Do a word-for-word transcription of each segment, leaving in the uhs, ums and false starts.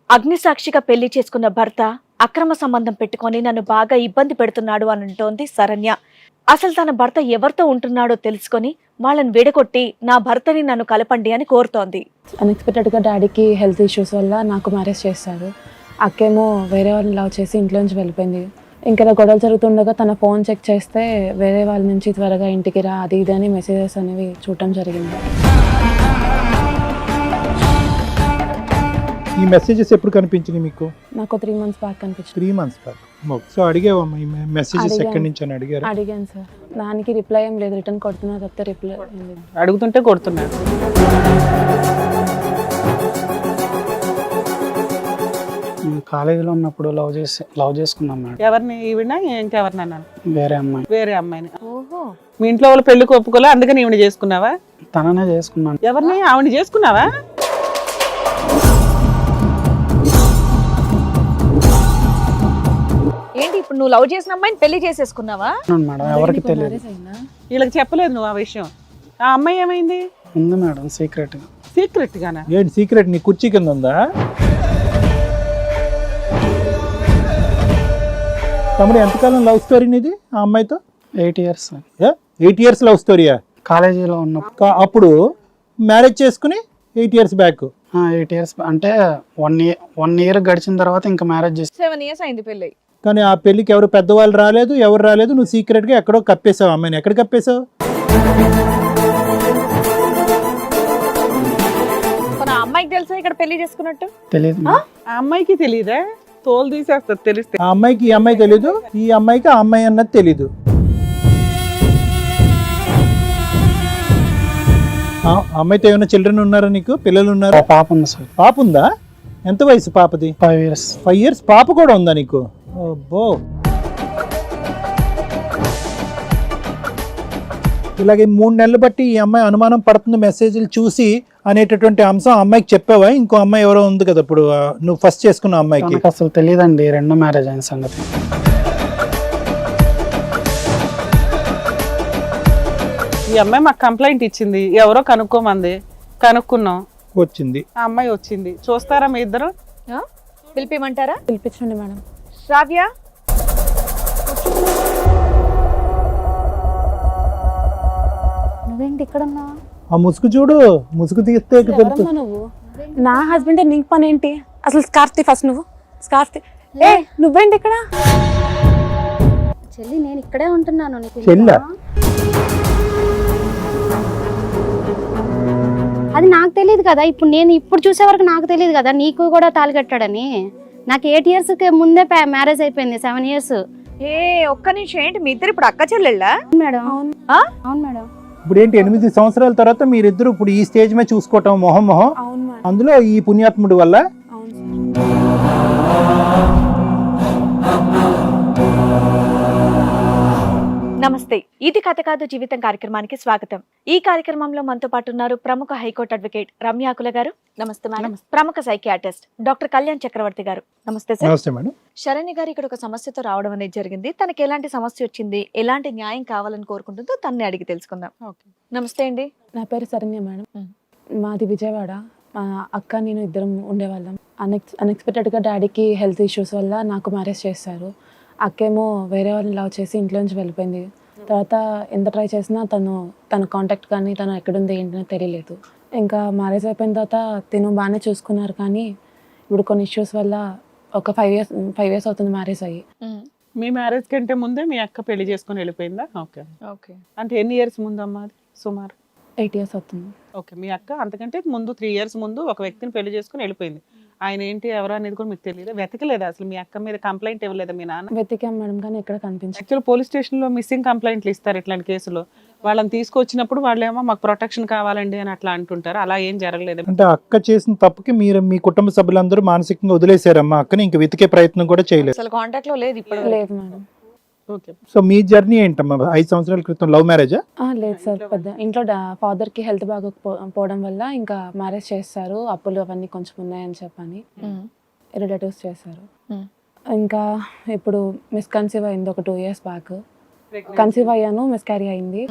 అగ్నిసాక్షిగా పెళ్లి చేసుకున్న భర్త అక్రమ సంబంధం పెట్టుకొని నన్ను బాగా ఇబ్బంది పెడుతున్నాడు అని అంటోంది శరణ్య. అసలు తన భర్త ఎవరితో ఉంటున్నాడో తెలుసుకొని వాళ్ళని విడగొట్టి నా భర్తని నన్ను కలపండి అని కోరుతోంది. అన్ఎక్స్పెక్టెడ్గా డాడీకి హెల్త్ ఇష్యూస్ వల్ల నాకు మ్యారేజ్ చేశారు. అక్కేమో వేరే వాళ్ళని లవ్ చేసి ఇంట్లో నుంచి వెళ్ళిపోయింది. ఇంకా గొడవలు జరుగుతుండగా తన ఫోన్ చెక్ చేస్తే వేరే వాళ్ళ నుంచి త్వరగా ఇంటికి రా అది ఇది అని మెసేజెస్ అనేవి చూడటం జరిగింది. ఈ మెసేజెస్ ఎప్పుడు కనిపించింది మీకు? నాకు త్రీ మంత్స్ బ్యాక్ కనిపించింది. Three months back. సో అడిగావమ్మా ఈ మెసేజెస్ ఎక్కడి నుంచి అని అడిగారు? అడిగాను సార్. దానికి రిప్లై ఏం లేదు. రిటర్న్ కొడుతున్నా తప్పితే రిప్లై ఏం లేదు. అడుగుతుంటే కొడుతున్నారు. కాలేజీలో ఉన్నప్పుడు లవ్ చేసి లవ్ చేసుకున్నాం మేడం. ఎవరిని? ఈవిడ ఇంకెవరినన్నా? వేరే అమ్మాయి. వేరే అమ్మాయిని. ఓహో, మీ ఇంట్లో వాళ్ళు పెళ్లికి ఒప్పుకోలే, అందుకని ఈవిడ చేసుకున్నావా? తననే చేసుకున్నాను. ఎవరిని? ఆవిడ చేసుకున్నావా? ఏంటి ఇప్పుడు నువ్వు లవ్ చేసిన అమ్మాయిని పెళ్లి చేసేసుకున్నావా? మేడం ఎవరికి తెలియదు. వీళ్ళకి చెప్పలేదు నువ్వు ఆ విషయం? ఆ అమ్మాయి ఏమైంది? ఉంది మేడం సీక్రెట్ గా. సీక్రెట్ గానా? ఏంటి సీక్రెట్? నీ కుర్చీ కింద ఉందా? తమ్ముడు ఎంతకాలం లవ్ స్టోరీ నీది ఆ అమ్మాయితో? Eight years. Eight years love స్టోరీయా? కాలేజీలో ఉన్నప్పుడు. అప్పుడు మ్యారేజ్ చేసుకుని eight years back. Eight years అంటే వన్ ఇయర్ వన్ ఇయర్ గడిచిన తర్వాత ఇంకా మ్యారేజ్ చేసి సెవెన్ ఇయర్స్ అయింది పెళ్లి. కానీ ఆ పెళ్లికి ఎవరు పెద్దవాళ్ళు రాలేదు, ఎవరు రాలేదు. నువ్వు సీక్రెట్ గా ఎక్కడో కప్పేసావు అమ్మాయిని. ఎక్కడ కప్పేసావు? ఆ అమ్మాయికి తెలుసా ఇక్కడ పెళ్లి చేసుకున్నట్టు? తెలియదు. ఆ అమ్మాయికి తెలియదా? తోలు తీసేస్తారు తెలిస్తే. ఆ అమ్మాయికి ఈ అమ్మాయి తెలీదు, ఈ అమ్మాయికి ఆ అమ్మాయి అన్నది తెలీదు. ఆ అమ్మాయితో ఏమైనా చిల్డ్రన్ ఉన్నారా నీకు? పిల్లలు ఉన్నారా? పాప ఉంది సార్. పాప ఉందా? ఎంత వయసు పాపది? Five years. ఫైవ్ ఇయర్స్ పాప కూడా ఉందా నీకు? ఓ, ఇలాగే మూడు నెలలు బట్టి ఈ అమ్మాయి అనుమానం పడుతుంది మెసేజ్లు చూసి అనేటటువంటి అంశం అమ్మాయికి చెప్పావా? ఇంకో అమ్మాయి ఎవరో ఉంది కదా ఇప్పుడు నువ్వు ఫస్ట్ చేసుకున్న అమ్మాయికి? అసలు తెలియదండి రెండో మ్యారేజ్ అయిన సంగతి. ఈ అమ్మాయి మాకు కంప్లైంట్ ఇచ్చింది, ఎవరో కనుక్కోమంది, కనుక్కున్నాం, వచ్చింది ఆ అమ్మాయి వచ్చింది. చూస్తారా మీ ఇద్దరు? పిలిపిమంటారా? పిలిపించండి మేడం. శ్రావ్య, నువ్వేంటి ఇక్కడ ఉన్నావు? ఆ ముసుగు చూడు, ముసుగు తీస్తే ఎవరమ్మా నువ్వు? నా హస్బెండ్ నీకు పని ఏంటి అసలు? స్కార్ఫ్ ఫస్ట్ నువ్వు స్కార్ఫ్. ఏ నువ్వేంటి ఇక్కడ? చెల్లి నేను ఇక్కడే ఉంటున్నాను. నీకు చెల్లా? అది నాకు తెలియదు కదా. ఇప్పుడు నేను ఇప్పుడు చూసే వరకు నాకు తెలియదు కదా నీకు కూడా తాళి కట్టాడని. నాకు ఎయిట్ ఇయర్స్ ముందే మ్యారేజ్ అయిపోయింది. Seven years. ఏ ఒక్క నిమిషం, ఏంటి మీ ఇద్దరు ఇప్పుడు అక్క చెల్లెళ్ళా? మేడం ఆ? అవును మేడం. ఇప్పుడు ఏంటి ఎనిమిది సంవత్సరాల తర్వాత మీరిద్దరు ఇప్పుడు ఈ స్టేజ్ మీద చూసుకోవటం మొహం మొహం? అవును మేడం. అందులో ఈ పుణ్యాత్ముడి వల్ల. అవును. నమస్తే, ఇది కథ కాదు జీవితం కార్యక్రమానికి స్వాగతం. ఈ కార్యక్రమంలో మనతో పాటు ఉన్నారు ప్రముఖ హైకోర్టు అడ్వకేట్ రమ్యాకుల గారు. నమస్తే మేడం. ప్రముఖ సైకియాట్రిస్ట్ డాక్టర్ కళ్యాణ్ చక్రవర్తి గారు. నమస్తే సార్. నమస్తే మేడం. శరణ్య గారు ఇక్కడ ఒక సమస్యతో రావడం అనేది జరిగింది. తనకి ఎలాంటి సమస్య వచ్చింది, ఎలాంటి న్యాయం కావాలని కోరుకుంటుందో తనని అడిగి తెలుసుకుందాం. నమస్తే అండి. నా పేరు శరణ్య మేడం. మాది విజయవాడ. మా అక్క నేను ఇద్దరం ఉండేవాళ్ళం. అన్ఎక్స్ అన్ఎక్స్పెక్టెడ్గా డాడీకి హెల్త్ ఇష్యూస్ వల్ల నాకు మ్యారేజ్ చేశారు. అక్కేమో వేరే వాళ్ళని లవ్ చేసి ఇంట్లో నుంచి వెళ్ళిపోయింది. తర్వాత ఎంత ట్రై చేసినా తను తన కాంటాక్ట్ కానీ తను ఎక్కడుంది ఏంటనే తెలియలేదు. ఇంకా మ్యారేజ్ అయిపోయిన తర్వాత తిను బాగానే చూసుకున్నారు. కానీ ఇప్పుడు కొన్ని ఇష్యూస్ వల్ల ఒక ఫైవ్ ఇయర్స్ ఫైవ్ ఇయర్స్ అవుతుంది మ్యారేజ్ అయ్యి. మీ మ్యారేజ్ కంటే ముందే మీ అక్క పెళ్లి చేసుకుని వెళ్ళిపోయిందా? Okay okay. అంటే ఎన్ని ఇయర్స్ ముందు అమ్మా అది? సుమారు ఎయిట్ ఇయర్స్ అవుతుంది. ఓకే. మీ అక్క అంతకంటే ముందు త్రీ ఇయర్స్ ముందు ఒక వ్యక్తిని పెళ్లి చేసుకుని వెళ్ళిపోయింది. ఆయన ఏంటి ఎవరు అనేది కూడా మీకు తెలియదు? వెతకలేదా అసలు? మీ అక్క మీద కంప్లైంట్ ఇవ్వలేదా మీ నాన్న? వెతికాం మేడం కానీ ఎక్కడ కనిపించదు. యాక్చువల్ పోలీస్ స్టేషన్ లో మిస్సింగ్ కంప్లైంట్లు ఇస్తారు ఇట్లాంటి కేసులో. వాళ్ళని తీసుకొచ్చినప్పుడు వాళ్ళేమో మాకు ప్రొటెక్షన్ కావాలండి అని అట్లా అంటుంటారు. అలా ఏం జరగలేదు. అంటే అక్క చేసిన తప్పుకి మీరు మీ కుటుంబ సభ్యులందరూ మానసికంగా వదిలేశారమ్మా అక్కని? ఇంక వెతికే ప్రయత్నం కూడా చేయలేదు? అసలు కాంటాక్ట్ లో లేదు ఇప్పుడు? లేదు మేడం. ఓకే. సో మీ జర్నీ ఏంటమ్మా? ఐదు సంవత్సరాల క్రితం లవ్ మ్యారేజా? లేదు సార్. పెద్ద ఇంట్లో ఫాదర్కి హెల్త్ బాగోకపోవడం వల్ల ఇంకా మ్యారేజ్ చేస్తారు. అప్పులు అవన్నీ కొంచెం ఉన్నాయని చెప్పని రిలేటివ్స్ చేశారు. ఇంకా ఇప్పుడు మిస్ కన్సీవ్ అయింది ఒక టూ ఇయర్స్ బ్యాక్. కన్సీవ్ అయ్యాను, మిస్ క్యారీ అయింది.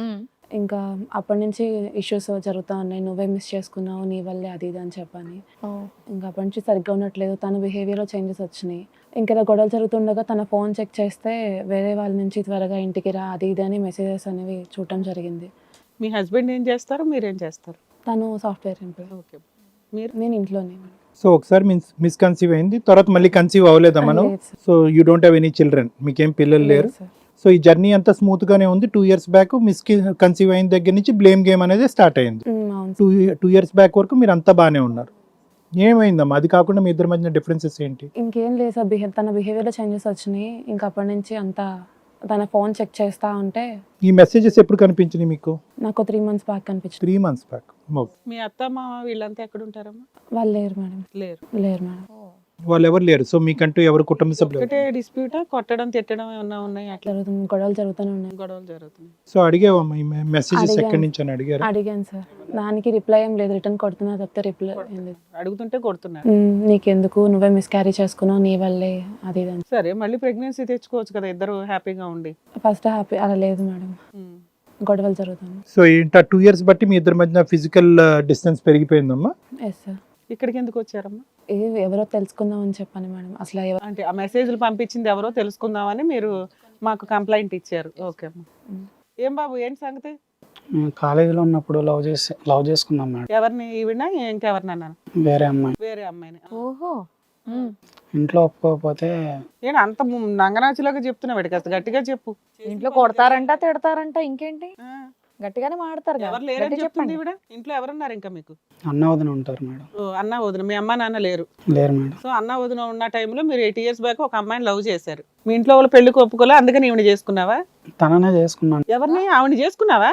ఇంకా అప్పటి నుంచి ఇష్యూస్ జరుగుతూ ఉన్నాయి, నువ్వే మిస్ చేసుకున్నావు నీ వల్లే అది ఇది అని చెప్పని. ఇంకా అప్పటి నుంచి సరిగ్గా ఉండట్లేదు, తన బిహేవియర్లో చేంజెస్ వచ్చినాయి. ఇంకా ఇలా గొడవలు జరుగుతుండగా తన ఫోన్ చెక్ చేస్తే వేరే వాళ్ళ నుంచి త్వరగా ఇంటికి రా అది ఇది అని మెసేజెస్ అనేవి చూడటం జరిగింది. మీ హస్బెండ్ ఏం చేస్తారు, మీరేం చేస్తారు? తను సాఫ్ట్వేర్ ఎంప్లాయ్, ఓకే. మీరు నేను ఇంట్లోనే. సో ఒకసారి మిస్ మిస్కన్సీవ్ అయింది, తర్వాత మళ్ళీ కన్సీవ్ అవ్వలేదా మనం? లేదు sir. So you don't have any children, మీకేం పిల్లలు లేరు. లేదు సార్. సో ఈ జర్నీ అంతా స్మూత్ గానే ఉంది. Two years back miss conceive అయిన దగ్గర నుంచి బ్లేమ్ గేమ్ అనేది స్టార్ట్ అయింది. ఉమ్, అవును టూ టూ ఇయర్స్ బ్యాక్ వరకు మీరు అంతా బాగానే ఉన్నారు. ఏమైందమ్మా? అది కాకుండా మీ ఇద్దరి మధ్య డిఫరెన్సెస్ ఏంటి? ఇంకేం లేదు సార్, బిహేవ్ తన బిహేవియర్లో చేంజెస్ వచ్చినాయి. ఇంకా అప్పటి నుంచి అంతా తన ఫోన్ చెక్ చేస్తా ఉంటే ఈ మెసేజెస్ ఎప్పుడు కనిపించినాయి మీకు? నాకు త్రీ మంత్స్ బ్యాక్ కనిపించింది. Three months back. మీ అత్త మామ వీళ్ళంతా ఎక్కడ ఉంటారమ్మా? వాళ్ళు లేరు మేడం, లేరు. లేరు మేడం. వాళ్ళు ఎవరు లేరు. సో మీకంటూ ఎవరు కుటుంబ సభ్యులు? ఒకటే డిస్ప్యూటా, కొట్టడం తిట్టడం ఏమన్నా ఉన్నాయి? అట్లా జరుగుతుంది, గొడవలు జరుగుతూనే ఉన్నాయి. గొడవలు జరుగుతున్నాయి. సో అడిగావమ్మా ఈ మెసేజెస్ అడిగాను. ఎక్కడి నుంచి అని అడిగారు? అడిగాను సార్, దానికి రిప్లై ఏం లేదు. రిటర్న్ కొడుతున్నా తప్పితే రిప్లై ఏం లేదు. అడుగుతుంటే కొడుతున్నారు. ఉమ్, నీకెందుకు, నువ్వే మిస్క్యారీ చేసుకున్నావు, నీ వల్లే అది ఇది అని. సరే, మళ్ళీ ప్రెగ్నెన్సీ తెచ్చుకోవచ్చు కదా ఇద్దరు హ్యాపీగా ఉండి. ఫస్ట్ హ్యాపీ అలా లేదు మేడం, ఉమ్. గొడవలు జరుగుతుంది. సో ఏంటా టూ ఇయర్స్ బట్టి మీ ఇద్దరి మధ్య ఫిజికల్ డిస్టెన్స్ పెరిగిపోయిందమ్మా? Yes sir. ఇక్కడికి ఎందుకు వచ్చారమ్మా? ఏ ఎవరో తెలుసుకుందాం అని చెప్పాను మేడం. అసలు ఎవ- అంటే ఆ మెసేజ్లు పంపించింది ఎవరో తెలుసుకుందామని మీరు మాకు కంప్లైంట్ ఇచ్చారు. ఓకే అమ్మా. ఉమ్. ఏం బాబు, ఏంటి సంగతి? మేము కాలేజీలో ఉన్నప్పుడు లవ్ చేసి లవ్ చేసుకున్నాం మేడం, ఎవరిని? ఈవిడ ఇంకెవరినన్నా? వేరే అమ్మాయి. వేరే అమ్మాయిని. ఓహో. ఇంట్లో ఒప్పుకోకపోతే ఏంటి అంత నంగనాచిలాగా చెప్తున్నావు? కాస్త గట్టిగా చెప్పు. ఇంట్లో కొడతారంట, తిడతారంట, ఇంకేంటి ఆ, గట్టిగానే మాడతారు కదా. ఎవరు లేరని గట్టిగా చెప్తుంది చెప్పండి. ఈవిడ. ఇంట్లో ఎవరున్నారు ఇంకా మీకు? అన్న వదిన ఉంటారు మేడం. ఓ, అన్న వదిన. మీ అమ్మ నాన్న లేరు. లేరు మేడం. సో అన్న వదిన ఉన్న టైంలో మీరు ఎయిట్ ఇయర్స్ బ్యాక్ ఒక అమ్మాయిని లవ్ చేశారు. మీ ఇంట్లో వాళ్ళు పెళ్లికి ఒప్పుకోలే, అందుకని ఈవిడ చేసుకున్నావా? తననే చేసుకున్నాను. ఎవరిని? ఆవిడ చేసుకున్నావా?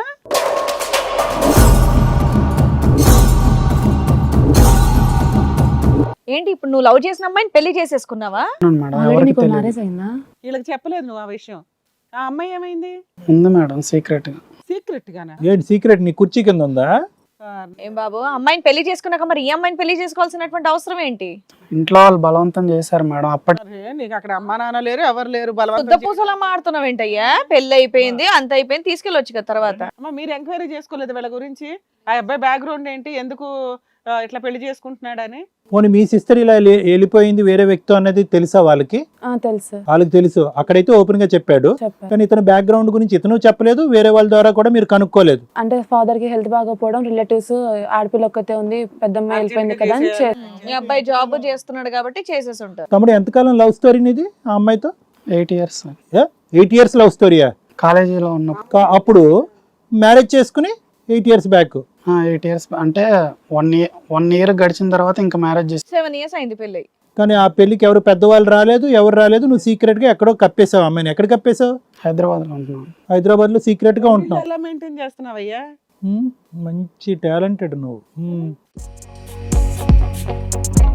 ఏంటి ఇప్పుడు నువ్వు లవ్ చేసిన అమ్మాయిని పెళ్లి చేసేసుకున్నావా? అవును మేడం, ఆల్రెడీ ఎవరికి నీకు తెలియదు. మ్యారేజ్ అయిందా? వీళ్ళకి చెప్పలేదు నువ్వు ఆ విషయం. ఆ అమ్మాయి ఏమైంది? ఉంది మేడం, సీక్రెట్ గా. సీక్రెట్ గానా? ఏంటి సీక్రెట్? నీ కుర్చీ కింద ఉందా? ఆ, ఏం బాబు, అమ్మాయిని పెళ్లి చేసుకున్నాక మరి ఈ అమ్మాయిని పెళ్లి చేసుకోవాల్సినటువంటి అవసరం ఏంటి? ఇంట్లో వాళ్ళు బలవంతం చేశారు మేడం. అప్పటి అరే, నీకు అక్కడ అమ్మా నాన్న లేరు, ఎవరు లేరు, శుద్ధ బలవంతం చేసి- పూసలా మాడుతున్నావు ఏంటయ్యా? పెళ్లి అయిపోయింది, అంత అయిపోయింది, తీసుకెళ్ళొచ్చు కదా తర్వాత. అమ్మ, మీరు ఎంక్వైరీ చేసుకోలేదు వీళ్ళ గురించి? ఆ అబ్బాయి బ్యాక్గ్రౌండ్ ఏంటి, ఎందుకు ఆ, ఇట్లా పెళ్లి చేసుకుంటున్నాడని? పోనీ మీ సిస్టర్ ఇలా లే- వెళ్ళిపోయింది వేరే వ్యక్తి అన్నది తెలుసా వాళ్ళకి? ఆ, తెలుసు సార్, వాళ్ళకి తెలుసు. అక్కడైతే ఓపెన్ గా చెప్పాడు, చెప్పారు. కానీ ఇతను బ్యాక్గ్రౌండ్ గురించి ఇతను చెప్పలేదు, వేరే వాళ్ళ ద్వారా కూడా మీరు కనుక్కోలేదు. అంటే ఫాదర్ కి హెల్త్ బాగోపోవడం, రిలేటివ్స్ ఆడపిల్ల ఒక్కతే ఉంది, పెద్దమ్మ వెళ్ళిపోయింది కదా అని చే- మీ అబ్బాయి జాబ్ చేస్తున్నాడు కాబట్టి చేసేసి ఉంటారు. తమ్ముడు ఎంతకాలం లవ్ స్టోరీ ఇది ఆ అమ్మాయితో? Eight years eight years love స్టోరీయా? కాలేజీలో ఉన్నప్పుడు. కా- అప్పుడు మ్యారేజ్ చేసుకుని eight years back. Eight years అంటే వన్ ఇయర్ వన్ ఇయర్ గడిచిన తర్వాత ఇంకా మ్యారేజ్ చేసి సెవెన్ ఇయర్స్ అయింది పెళ్లి. కానీ ఆ పెళ్లికి ఎవరు పెద్దవాళ్ళు రాలేదు, ఎవరు రాలేదు. నువ్వు సీక్రెట్ గా ఎక్కడో కప్పేసావు అమ్మాయిని. ఎక్కడ కప్పేసావు? హైదరాబాద్ లో ఉంటున్నాం. హైదరాబాద్ లో సీక్రెట్ గా ఉంటున్నావు. ఎలా మెయింటైన్ చేస్తున్నావయ్యా? ఉమ్, మంచి టాలెంటెడ్ నువ్వు. ఉమ్.